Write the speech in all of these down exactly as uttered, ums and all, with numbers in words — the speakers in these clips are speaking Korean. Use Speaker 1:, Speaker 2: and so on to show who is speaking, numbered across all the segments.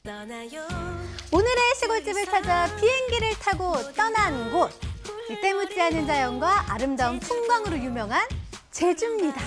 Speaker 1: 오늘의 시골집을 찾아 비행기를 타고 떠난 곳. 이 때묻지 않은 자연과 아름다운 풍광으로 유명한 제주입니다.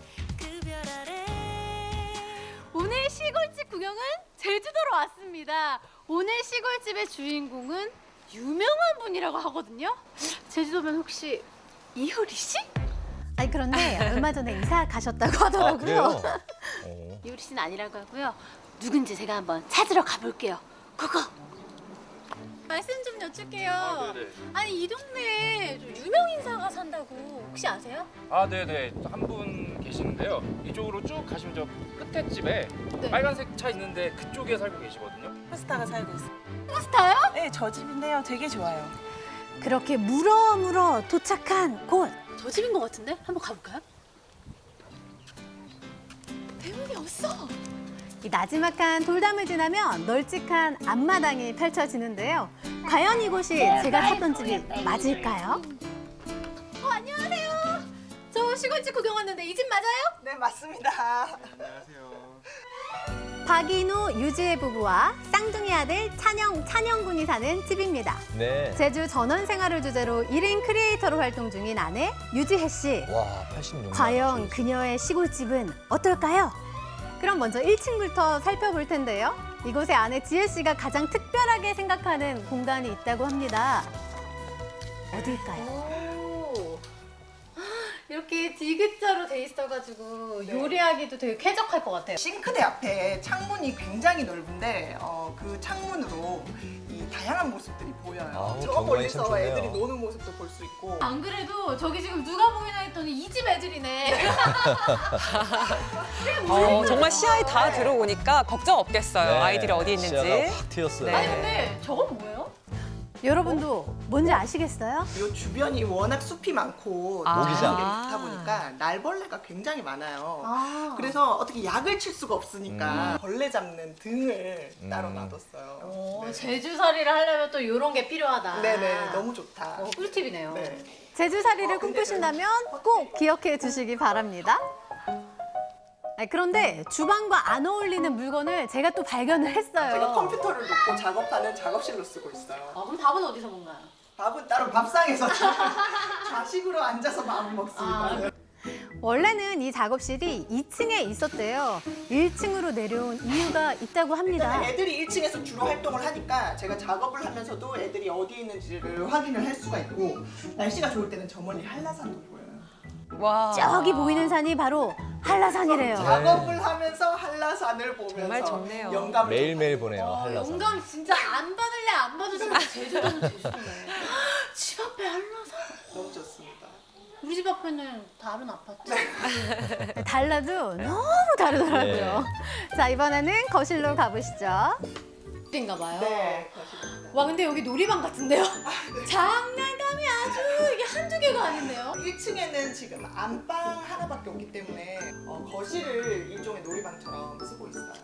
Speaker 1: 오늘 시골집 구경은 제주도로 왔습니다. 오늘 시골집의 주인공은 유명한 분이라고 하거든요. 제주도면 혹시 이효리 씨? 아니 그런데 얼마 전에 이사 가셨다고 하더라고요.
Speaker 2: 아, 그래요? 어.
Speaker 1: 이효리 씨는 아니라고 하고요. 누군지 제가 한번 찾으러 가볼게요. 고고! 말씀 좀 여쭐게요.
Speaker 3: 아, 네네.
Speaker 1: 아니 이 동네에 좀 유명 인사가 산다고 혹시 아세요?
Speaker 3: 아, 네네. 한 분 계시는데요. 이쪽으로 쭉 가시면 저 끝에 집에
Speaker 1: 네.
Speaker 3: 빨간색 차 있는데 그쪽에 살고 계시거든요.
Speaker 4: 스타가 살고 있어요.
Speaker 1: 스타요?
Speaker 4: 네, 저 집인데요. 되게 좋아요.
Speaker 1: 그렇게 물어물어 도착한 곳. 저 집인 것 같은데? 한번 가볼까요? 대문이 없어. 이 나지막한 돌담을 지나면 널찍한 앞마당이 펼쳐지는데요. 과연 이곳이 제가 찾던 집이 맞을까요? 어, 안녕하세요. 저 시골집 구경 왔는데 이 집 맞아요?
Speaker 4: 네, 맞습니다.
Speaker 1: 박인우, 유지혜 부부와 쌍둥이 아들 찬영, 찬영군이 사는 집입니다.
Speaker 2: 네.
Speaker 1: 제주 전원 생활을 주제로 일 인 크리에이터로 활동 중인 아내 유지혜 씨.
Speaker 2: 와, 팔십육 년.
Speaker 1: 과연 그녀의 시골집은 어떨까요? 그럼 먼저 일 층부터 살펴볼 텐데요. 이곳에 아내 지혜 씨가 가장 특별하게 생각하는 공간이 있다고 합니다. 어딜까요? 이렇게 디귿자로 돼 있어가지고
Speaker 4: 네.
Speaker 1: 요리하기도 되게 쾌적할 것 같아요.
Speaker 4: 싱크대 앞에 창문이 굉장히 넓은데 어, 그 창문으로 이 다양한 모습들이 보여요.
Speaker 2: 아우,
Speaker 4: 저
Speaker 2: 경관이 참
Speaker 4: 멀리서
Speaker 2: 좋네요.
Speaker 4: 애들이 노는 모습도 볼 수 있고.
Speaker 1: 안 그래도 저기 지금 누가 보이나 했더니 이 집 애들이네.
Speaker 5: 어, 정말 시야에 다 들어오니까 걱정 없겠어요.
Speaker 2: 네,
Speaker 5: 아이들이 어디 있는지.
Speaker 2: 시야가 확 트였어요.
Speaker 5: 네.
Speaker 1: 아니 근데 저건 뭐예요? 여러분도 뭔지 아시겠어요?
Speaker 4: 이 주변이 워낙 숲이 많고
Speaker 5: 아.
Speaker 4: 자연이 좋다 보니까 날벌레가 굉장히 많아요.
Speaker 1: 아.
Speaker 4: 그래서 어떻게 약을 칠 수가 없으니까
Speaker 2: 음.
Speaker 4: 벌레 잡는 등을 따로
Speaker 2: 음.
Speaker 4: 놔뒀어요.
Speaker 1: 오,
Speaker 4: 네.
Speaker 1: 제주살이를 하려면 또 이런 게 필요하다.
Speaker 4: 네네, 너무 좋다.
Speaker 1: 어, 꿀팁이네요.
Speaker 4: 네.
Speaker 1: 제주살이를
Speaker 4: 어, 근데
Speaker 1: 꿈꾸신다면 꼭 기억해 주시기 바랍니다. 아니, 그런데 주방과 안 어울리는 물건을 제가 또 발견을 했어요.
Speaker 4: 제가 컴퓨터를 놓고 작업하는 작업실로 쓰고 있어요.
Speaker 1: 아, 그럼 밥은 어디서 먹나요?
Speaker 4: 밥은 따로 밥상에서 좌식으로 앉아서 밥을 먹습니다.
Speaker 1: 아. 원래는 이 작업실이 이 층에 있었대요. 일 층으로 내려온 이유가 있다고 합니다.
Speaker 4: 일단은 애들이 일 층에서 주로 활동을 하니까 제가 작업을 하면서도 애들이 어디에 있는지를 확인을 할 수가 있고 날씨가 좋을 때는 저 멀리 한라산도 보여요.
Speaker 5: 와.
Speaker 1: 저기 보이는 산이 바로 한라산이래요.
Speaker 4: 작업을 하면서 한라산을 보면서
Speaker 5: 정말 좋네요.
Speaker 4: 영감을
Speaker 2: 매일매일
Speaker 4: 좀
Speaker 2: 보내요,
Speaker 1: 어,
Speaker 2: 한라산.
Speaker 1: 영감 진짜 안 받을래 안 받을 수 없는 제주도는 제주도네. 집 앞에 한라산.
Speaker 4: 너무 좋습니다.
Speaker 1: 우리 집 앞에는 다른 아파트. 달라도 너무 다르더라고요. 자, 이번에는 거실로 가보시죠. 인가 봐요.
Speaker 4: 네, 거실입니다.
Speaker 1: 와, 근데 여기 놀이방 같은데요? 장난감이 아주 이게 한두 개가 아닌데요?
Speaker 4: 일 층에는 지금 안방 하나밖에 없기 때문에 어, 거실을 일종의 놀이방처럼 쓰고 있어요.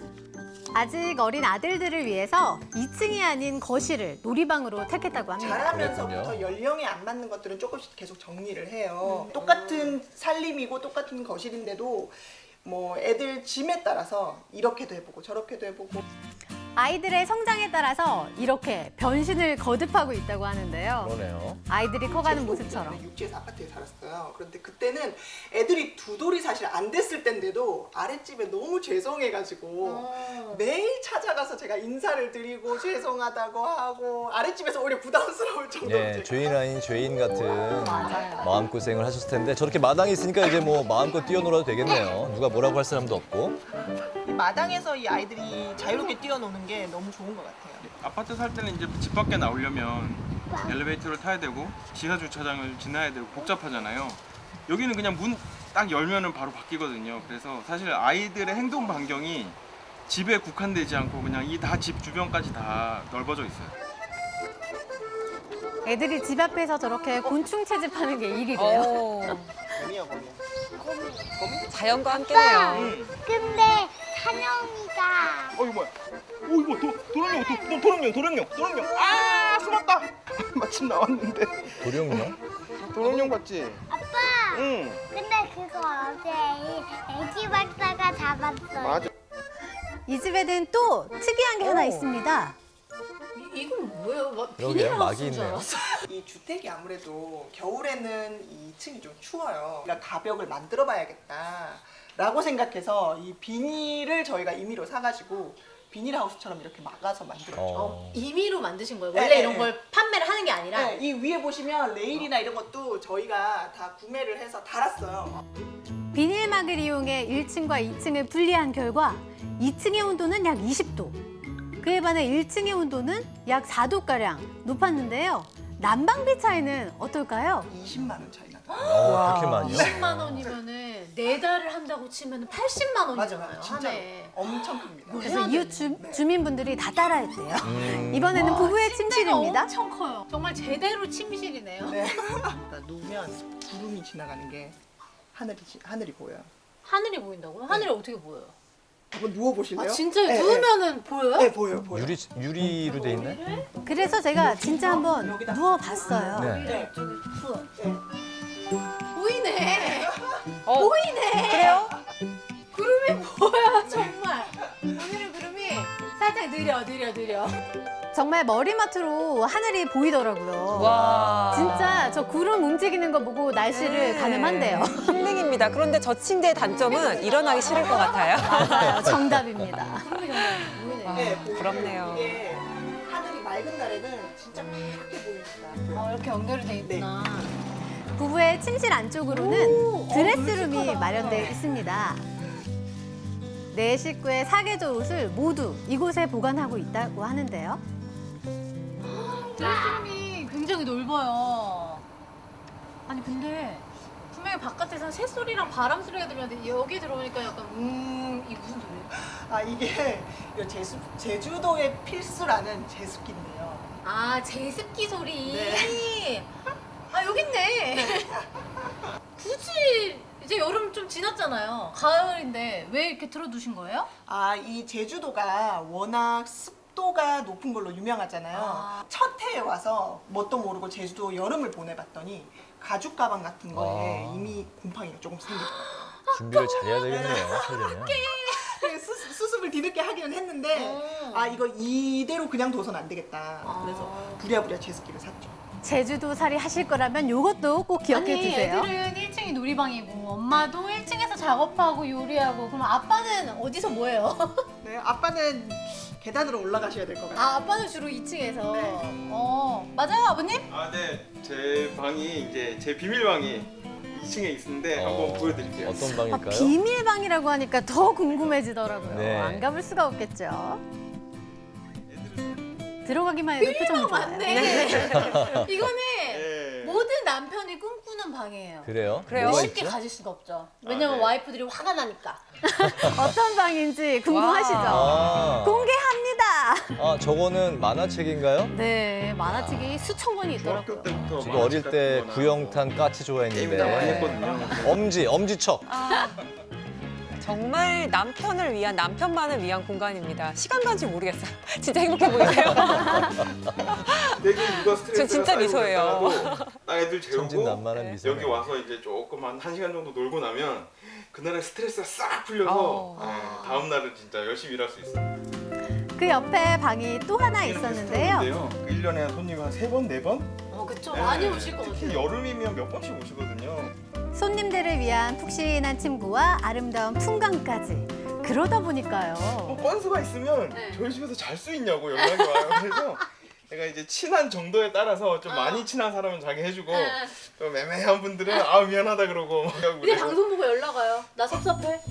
Speaker 1: 아직 어린 아들들을 위해서 이 층이 아닌 거실을 놀이방으로 택했다고 합니다.
Speaker 4: 자라면서부터
Speaker 2: 그랬군요.
Speaker 4: 연령에 안 맞는 것들은 조금씩 계속 정리를 해요. 똑같은 살림이고 똑같은 거실인데도 뭐 애들 짐에 따라서 이렇게도 해보고 저렇게도 해보고.
Speaker 1: 아이들의 성장에 따라서 이렇게 변신을 거듭하고 있다고 하는데요.
Speaker 2: 그러네요.
Speaker 1: 아이들이 커가는
Speaker 4: 제주도
Speaker 1: 모습처럼.
Speaker 4: 오기 전에 육지에서 아파트에 살았어요. 그런데 그때는 애들이 두 돌이 사실 안 됐을 때인데도 아랫집에 너무 죄송해가지고 매일 찾아가서 제가 인사를 드리고 죄송하다고 하고 아랫집에서 오히려 부담스러울 정도로
Speaker 2: 예,
Speaker 4: 제가
Speaker 2: 죄인 아닌 죄인 같은
Speaker 1: 맞아요.
Speaker 2: 마음고생을 하셨을 텐데 저렇게 마당이 있으니까 이제 뭐 마음껏 뛰어놀아도 되겠네요. 누가 뭐라고 할 사람도 없고.
Speaker 4: 이 마당에서 이 아이들이 자유롭게 뛰어노는 게 너무 좋은 것 같아요.
Speaker 3: 아파트 살 때는 이제 집 밖에 나오려면 엘리베이터를 타야 되고 지하 주차장을 지나야 되고 복잡하잖아요. 여기는 그냥 문 딱 열면은 바로 바뀌거든요. 그래서 사실 아이들의 행동 반경이 집에 국한되지 않고 그냥 이 다 집 주변까지 다 넓어져 있어요.
Speaker 1: 애들이 집 앞에서 저렇게 곤충 채집하는 게 일이래요.
Speaker 5: 오,
Speaker 4: 거미야 거미.
Speaker 5: 자연과 함께네요.
Speaker 6: 근데 찬영이가
Speaker 3: 어 이거 뭐야? 오 이거 도, 도롱뇽 도, 도롱뇽 도롱뇽 도롱뇽 아 숨었다. 마침 나왔는데
Speaker 2: 도령요?
Speaker 3: 도롱뇽 봤지?
Speaker 6: 아빠
Speaker 3: 응.
Speaker 6: 근데 그거 어제 이 애기 박사가 잡았어요.
Speaker 3: 맞아.
Speaker 1: 이 집에는 또 특이한 게 하나 있습니다.
Speaker 7: 이, 이건 뭐예요? 막
Speaker 2: 그러게요, 막이
Speaker 7: 비닐하우스인 줄
Speaker 2: 있네요.
Speaker 7: 알았어요.
Speaker 4: 이 주택이 아무래도 겨울에는 이 층이 좀 추워요. 그러니까 가벽을 만들어 봐야겠다라고 생각해서 이 비닐을 저희가 임의로 사가지고 비닐하우스처럼 이렇게 막아서 만들었죠.
Speaker 2: 어.
Speaker 7: 임의로 만드신 거예요?
Speaker 4: 네,
Speaker 7: 원래
Speaker 4: 네,
Speaker 7: 이런
Speaker 4: 네.
Speaker 7: 걸 판매를 하는 게 아니라?
Speaker 4: 네, 이 위에 보시면 레일이나 이런 것도 저희가 다 구매를 해서 달았어요.
Speaker 1: 비닐막을 이용해 일 층과 이 층을 분리한 결과 이 층의 온도는 약 이십 도, 그에 반해 일 층의 온도는 약 사 도가량 높았는데요. 난방비 차이는 어떨까요?
Speaker 4: 이십만 원 차이 나요.
Speaker 2: 어, 그렇게 많이요?
Speaker 7: 이십만 원이면은 네 달을 한다고 치면 팔십만
Speaker 4: 맞아,
Speaker 7: 원이잖아요.
Speaker 4: 맞아. 진짜
Speaker 7: 한 해에.
Speaker 4: 엄청 큽니다.
Speaker 1: 그래서 이웃 주, 주민분들이 다 따라했대요.
Speaker 2: 음.
Speaker 1: 이번에는 부부의
Speaker 7: 침대가
Speaker 1: 침실입니다.
Speaker 7: 엄청 커요. 정말 제대로 침실이네요.
Speaker 4: 네. 그러니까 누우면 구름이 지나가는 게 하늘이 지- 하늘이 보여요.
Speaker 7: 하늘이 보인다고요? 하늘이 어떻게 보여요?
Speaker 4: 한번 누워 보실래요?
Speaker 7: 아 진짜
Speaker 4: 네,
Speaker 7: 누우면은 보여요?
Speaker 4: 네, 네, 보여요, 보여요.
Speaker 2: 유리 유리로 돼 있네.
Speaker 1: 그래서 제가 진짜 한번 누워봤어요.
Speaker 2: 네.
Speaker 4: 네.
Speaker 7: 보이네.
Speaker 5: 어,
Speaker 7: 보이네.
Speaker 5: 그래요?
Speaker 7: 구름이 보여 정말. 오늘의 구름이 살짝 느려 느려 느려.
Speaker 1: 정말 머리맡으로 하늘이 보이더라고요.
Speaker 5: 와.
Speaker 1: 진짜 저 구름 움직이는 거 보고 날씨를 가늠한대요.
Speaker 5: 힐링입니다. 그런데 저 침대의 단점은 일어나기 싫을 것 같아요.
Speaker 1: 맞아요. 정답입니다.
Speaker 7: 구름이 정말 보이네.
Speaker 5: 아,
Speaker 4: 네, 보여요.
Speaker 5: 부럽네요.
Speaker 4: 이게 하늘이 맑은 날에는 진짜 파랗게 보입니다.
Speaker 7: 어, 이렇게 연결이 돼 있구나.
Speaker 1: 부부의 침실 안쪽으로는 드레스룸이 마련되어 있습니다. 네 식구의 사계절 옷을 모두 이곳에 보관하고 있다고 하는데요.
Speaker 7: 드레스룸이 굉장히 넓어요. 아니 근데 분명히 바깥에서 새소리랑 바람 소리가 들렸는데 여기 들어오니까 약간 음 이게 무슨 소리예요?
Speaker 4: 아 이게 이 제수, 제주도의 필수라는 제습기인데요.
Speaker 7: 아 제습기 소리.
Speaker 4: 네.
Speaker 7: 아 여기 있네. 굳이 이제 여름 좀 지났잖아요. 가을인데 왜 이렇게 틀어두신 거예요?
Speaker 4: 아 이 제주도가 워낙 습도가 높은 걸로 유명하잖아요.
Speaker 7: 아.
Speaker 4: 첫 해에 와서 뭣도 모르고 제주도 여름을 보내봤더니 가죽 가방 같은 거에
Speaker 2: 아.
Speaker 4: 이미 곰팡이가 조금 생겼어요.
Speaker 2: 준비를 잘해야 되겠네요. 하려면.
Speaker 4: 수, 수습을 뒤늦게 하기는 했는데
Speaker 7: 음.
Speaker 4: 아 이거 이대로 그냥 둬선 안 되겠다.
Speaker 7: 아.
Speaker 4: 그래서 부랴부랴 제습기를 샀죠.
Speaker 1: 제주도 살이 하실 거라면 이것도 꼭 기억해
Speaker 7: 아니
Speaker 1: 두세요.
Speaker 7: 애들은 일 층이 놀이방이고 엄마도 일 층에서 작업하고 요리하고 그럼 아빠는 어디서 뭐해요?
Speaker 4: 네, 아빠는 계단으로 올라가셔야 될 것 같아요.
Speaker 7: 아 아빠는 주로 이 층에서.
Speaker 4: 네.
Speaker 7: 어 맞아요 아버님?
Speaker 3: 아, 네. 제 방이 이제 제 비밀방이 이 층에 있는데 한번
Speaker 2: 어,
Speaker 3: 보여드릴게요.
Speaker 2: 어떤
Speaker 1: 아,
Speaker 2: 방일까요?
Speaker 1: 비밀방이라고 하니까 더 궁금해지더라고요.
Speaker 2: 네.
Speaker 1: 안 가볼 수가 없겠죠. 들어가기만 해도 표정이 좋아요.
Speaker 7: 맞네. 이거는
Speaker 3: 네.
Speaker 7: 모든 남편이 꿈꾸는 방이에요.
Speaker 2: 그래요?
Speaker 5: 그래요?
Speaker 2: 뭐가
Speaker 7: 쉽게
Speaker 2: 있죠?
Speaker 7: 가질 수가 없죠. 왜냐면
Speaker 3: 네.
Speaker 7: 와이프들이 화가 나니까.
Speaker 1: 어떤 방인지 궁금하시죠?
Speaker 2: 아,
Speaker 1: 공개합니다.
Speaker 2: 아 저거는 만화책인가요?
Speaker 1: 네, 만화책이 수천 권이 있더라고요.
Speaker 3: 중학교 때부터
Speaker 2: 저도 어릴
Speaker 3: 만화책
Speaker 2: 때
Speaker 3: 같은 거나
Speaker 2: 구영탄 까치
Speaker 3: 게임 다 많이
Speaker 2: 좋아했는데
Speaker 3: 했거든요.
Speaker 2: 엄지, 엄지척.
Speaker 5: 아, 정말 남편을 위한, 남편만을 위한 공간입니다. 시간 간지 모르겠어요. 진짜 행복해 보이세요.
Speaker 3: 되게 이거 스트레스가
Speaker 5: 저 진짜
Speaker 3: 쌓이고
Speaker 5: 미소예요.
Speaker 3: 있다가도 딱 애들 재우고
Speaker 2: 천진난만한 미소.
Speaker 3: 여기 와서 이제 조금 한 한 시간 정도 놀고 나면 그날의 스트레스가 싹 풀려서
Speaker 5: 어.
Speaker 3: 네, 다음 날은 진짜 열심히 일할 수 있어요.
Speaker 1: 그 옆에 방이 또 하나
Speaker 3: 이렇게
Speaker 1: 있었는데요.
Speaker 3: 스타일인데요. 그 일 년에 손님 한 세 번, 네 번?
Speaker 7: 어 그쵸
Speaker 3: 네,
Speaker 7: 많이 오실 것
Speaker 3: 특히
Speaker 7: 같아요.
Speaker 3: 여름이면 몇 번씩 오시거든요.
Speaker 1: 손님들을 위한 푹신한 침구와 아름다운 풍광까지. 그러다
Speaker 3: 뭐
Speaker 1: 보니까요.
Speaker 3: 건수가 있으면
Speaker 7: 네.
Speaker 3: 저희 집에서 잘 수 있냐고 연락이 와요. 그래서 내가 이제 친한 정도에 따라서 좀 많이 친한 사람은 자기 해주고
Speaker 7: 네.
Speaker 3: 좀 애매한 분들은 아 미안하다 그러고 막 하고
Speaker 7: 우리
Speaker 3: 그래요.
Speaker 7: 방송 보고 연락 와요. 나 섭섭해.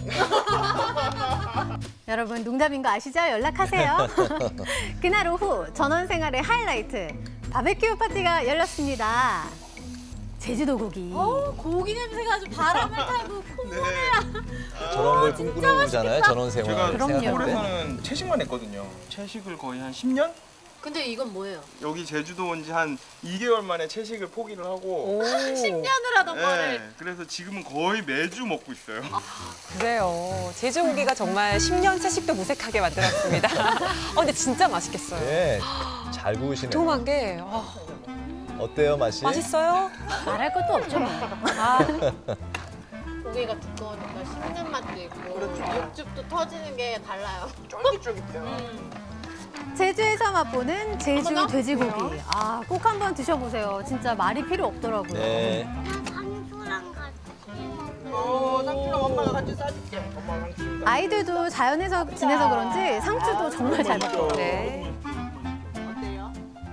Speaker 1: 여러분 농담인 거 아시죠? 연락하세요. 그날 오후 전원 생활의 하이라이트 바베큐 파티가 열렸습니다. 제주도 고기.
Speaker 7: 어 고기 냄새가 아주 바람을 타고 콩.
Speaker 3: 네.
Speaker 2: 저런 걸 꿈꾸는 거잖아요. 전원 생활
Speaker 3: 제가
Speaker 1: 그럼요.
Speaker 2: 생각할 때.
Speaker 3: 서울에서는 채식만 했거든요. 채식을 거의 한 십 년?
Speaker 7: 근데 이건 뭐예요?
Speaker 3: 여기 제주도 온 지 한 이 개월 만에 채식을 포기를 하고
Speaker 5: 오,
Speaker 7: 십 년을 하던
Speaker 3: 네,
Speaker 7: 거를.
Speaker 3: 그래서 지금은 거의 매주 먹고 있어요.
Speaker 5: 그래요. 제주고기가 정말 십 년 채식도 무색하게 만들었습니다. 어, 근데 진짜 맛있겠어요.
Speaker 2: 네, 잘 구우시네요.
Speaker 5: 도톰한 게 아,
Speaker 2: 어때요 맛이?
Speaker 5: 맛있어요?
Speaker 1: 말할 것도 없죠 뭐.
Speaker 5: 아,
Speaker 7: 고기가 두꺼우니까 씹는 맛도 있고
Speaker 4: 그렇죠.
Speaker 7: 육즙도 터지는 게 달라요.
Speaker 4: 쫄깃쫄깃해요.
Speaker 1: 제주에서 맛보는 제주
Speaker 7: 어머나?
Speaker 1: 돼지고기. 아, 꼭 한번 드셔보세요. 진짜 말이 필요 없더라고요.
Speaker 2: 네.
Speaker 6: 나 상수랑 같이 먹어.
Speaker 4: 어, 상추랑 엄마가 같이 싸줄게. 엄마 상추.
Speaker 1: 아이들도 자연에서 지내서 그런지 상추도 정말 잘 먹어요.
Speaker 5: 네.
Speaker 4: 어때요?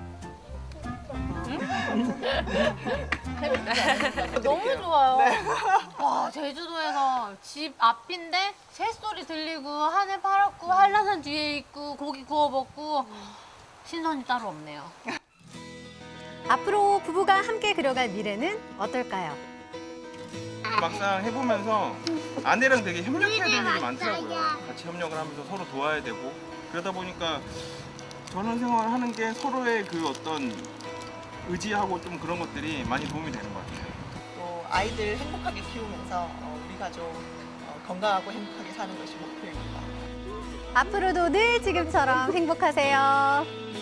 Speaker 7: 너무 좋아요. 와, 제주도에서 집 앞인데 새소리 들리고 하늘 파랗고 한라산 뒤에 있고 고기 구워 먹고 신선이 따로 없네요.
Speaker 1: 앞으로 부부가 함께 그려갈 미래는 어떨까요?
Speaker 3: 막상 해보면서 아내랑 되게 협력해야 될 일이 많더라고요. 같이 협력을 하면서 서로 도와야 되고 그러다 보니까 전원 생활을 하는 게 서로의 그 어떤 의지하고 좀 그런 것들이 많이 도움이 되는 것 같아요.
Speaker 4: 또 아이들 행복하게 키우면서 어, 우리 가족 어, 건강하고 행복하게 사는 것이 목표입니다.
Speaker 1: 앞으로도 늘 지금처럼 행복하세요.